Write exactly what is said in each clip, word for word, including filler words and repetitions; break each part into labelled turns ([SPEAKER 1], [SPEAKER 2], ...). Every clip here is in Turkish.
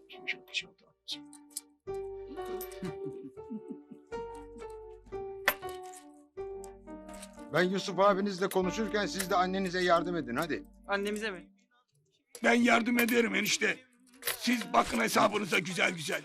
[SPEAKER 1] Çok çok çok.
[SPEAKER 2] Ben Yusuf abinizle konuşurken siz de annenize yardım edin hadi.
[SPEAKER 3] Annemize mi?
[SPEAKER 1] Ben yardım ederim enişte. Siz bakın hesabınıza güzel güzel.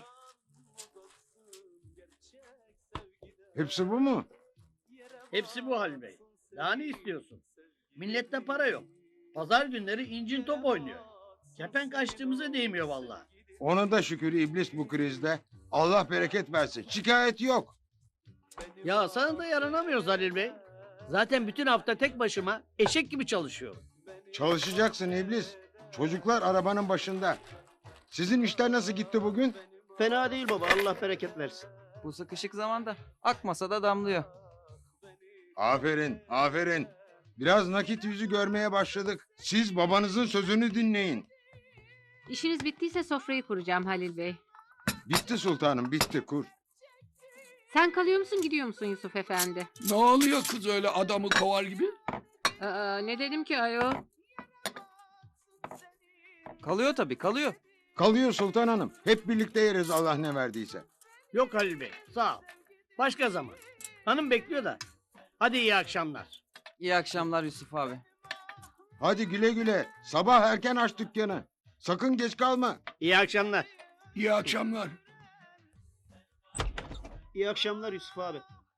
[SPEAKER 2] Hepsi bu mu?
[SPEAKER 4] Hepsi bu Halil Bey. Daha ne istiyorsun? Millette para yok. Pazar günleri incin top oynuyor. Kepenk açtığımıza değmiyor vallahi.
[SPEAKER 2] Ona da şükür iblis bu krizde. Allah bereket versin. Şikayet yok.
[SPEAKER 4] Ya sana da yaranamıyoruz Halil Bey. Zaten bütün hafta tek başıma eşek gibi çalışıyorum.
[SPEAKER 2] Çalışacaksın iblis. Çocuklar arabanın başında. Sizin işler nasıl gitti bugün?
[SPEAKER 5] Fena değil baba, Allah bereket versin.
[SPEAKER 3] Bu sıkışık zamanda akmasa da damlıyor.
[SPEAKER 2] Aferin, aferin. Biraz nakit yüzü görmeye başladık. Siz babanızın sözünü dinleyin.
[SPEAKER 6] İşiniz bittiyse sofrayı kuracağım Halil Bey.
[SPEAKER 2] Bitti sultanım, bitti kur.
[SPEAKER 6] Sen kalıyor musun gidiyor musun Yusuf Efendi?
[SPEAKER 1] Ne oluyor kız öyle adamı kovar gibi?
[SPEAKER 6] Aa, ne dedim ki ayol?
[SPEAKER 3] Kalıyor tabii kalıyor.
[SPEAKER 2] Kalıyor sultan hanım. Hep birlikte yeriz Allah ne verdiyse.
[SPEAKER 4] Yok Halil Bey sağ ol. Başka zaman. Hanım bekliyor da. Hadi iyi akşamlar.
[SPEAKER 3] İyi akşamlar Yusuf abi.
[SPEAKER 2] Hadi güle güle. Sabah erken aç dükkanı. Sakın geç kalma.
[SPEAKER 4] İyi akşamlar.
[SPEAKER 1] İyi akşamlar.
[SPEAKER 5] İyi akşamlar Yusuf abi.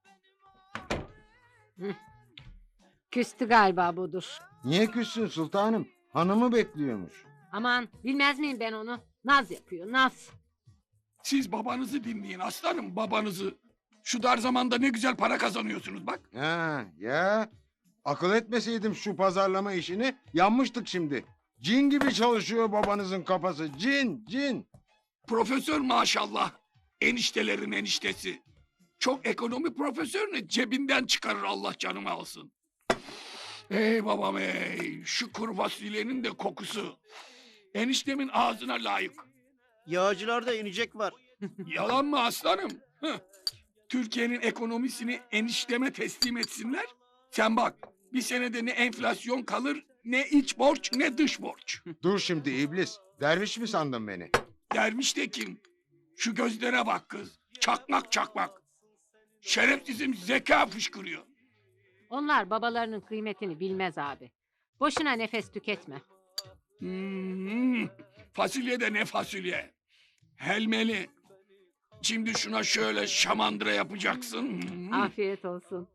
[SPEAKER 6] Küstü galiba budur.
[SPEAKER 2] Niye küssün sultanım? Hanımı bekliyormuş.
[SPEAKER 6] Aman bilmez miyim ben onu? Naz yapıyor naz.
[SPEAKER 1] Siz babanızı dinleyin aslanım babanızı. Şu dar zamanda ne güzel para kazanıyorsunuz bak.
[SPEAKER 2] Ha ya. Akıl etmeseydim şu pazarlama işini yanmıştık şimdi. Cin gibi çalışıyor babanızın kafası. Cin, cin.
[SPEAKER 1] Profesör maşallah. Eniştelerin eniştesi. Çok ekonomi profesörünü cebinden çıkarır Allah canımı alsın. Ey babam ey. Şu kuru fasulyenin de kokusu. Eniştemin ağzına layık.
[SPEAKER 5] Yağcılarda inecek var.
[SPEAKER 1] Yalan mı aslanım? Hıh. Türkiye'nin ekonomisini enişteme teslim etsinler. Sen bak bir senede ne enflasyon kalır ne iç borç ne dış borç.
[SPEAKER 2] Dur şimdi iblis. Derviş mi sandın beni?
[SPEAKER 1] Dermiş de kim? Şu gözlere bak kız. Çakmak çakmak. Şerefsizim zeka fışkırıyor.
[SPEAKER 6] Onlar babalarının kıymetini bilmez abi. Boşuna nefes tüketme.
[SPEAKER 1] Hmm, fasulye de ne fasulye. Helmeli. Şimdi şuna şöyle şamandıra yapacaksın. Hmm.
[SPEAKER 6] Afiyet olsun.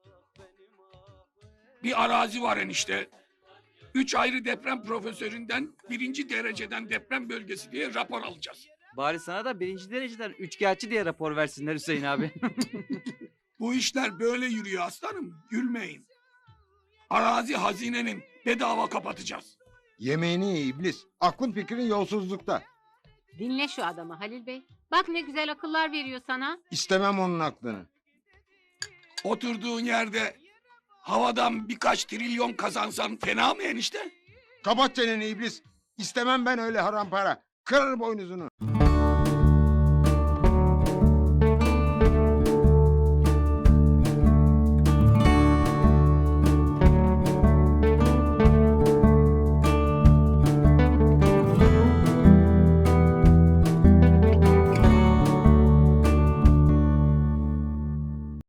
[SPEAKER 1] Bir arazi var enişte. Üç ayrı deprem profesöründen birinci dereceden deprem bölgesi diye rapor alacağız.
[SPEAKER 3] Bari sana da birinci dereceden üçkağıtçı diye rapor versinler Hüseyin abi.
[SPEAKER 1] Bu işler böyle yürüyor aslanım. Gülmeyin. Arazi hazinenin bedava kapatacağız.
[SPEAKER 2] Yemeğini ye iblis. Aklın fikrin yolsuzlukta.
[SPEAKER 6] Dinle şu adamı Halil Bey. Bak ne güzel akıllar veriyor sana.
[SPEAKER 2] İstemem onun aklını.
[SPEAKER 1] Oturduğun yerde havadan birkaç trilyon kazansan fena mı enişte?
[SPEAKER 2] Kapat çeneni iblis. İstemem ben öyle haram para. Kırarım boynuzunu.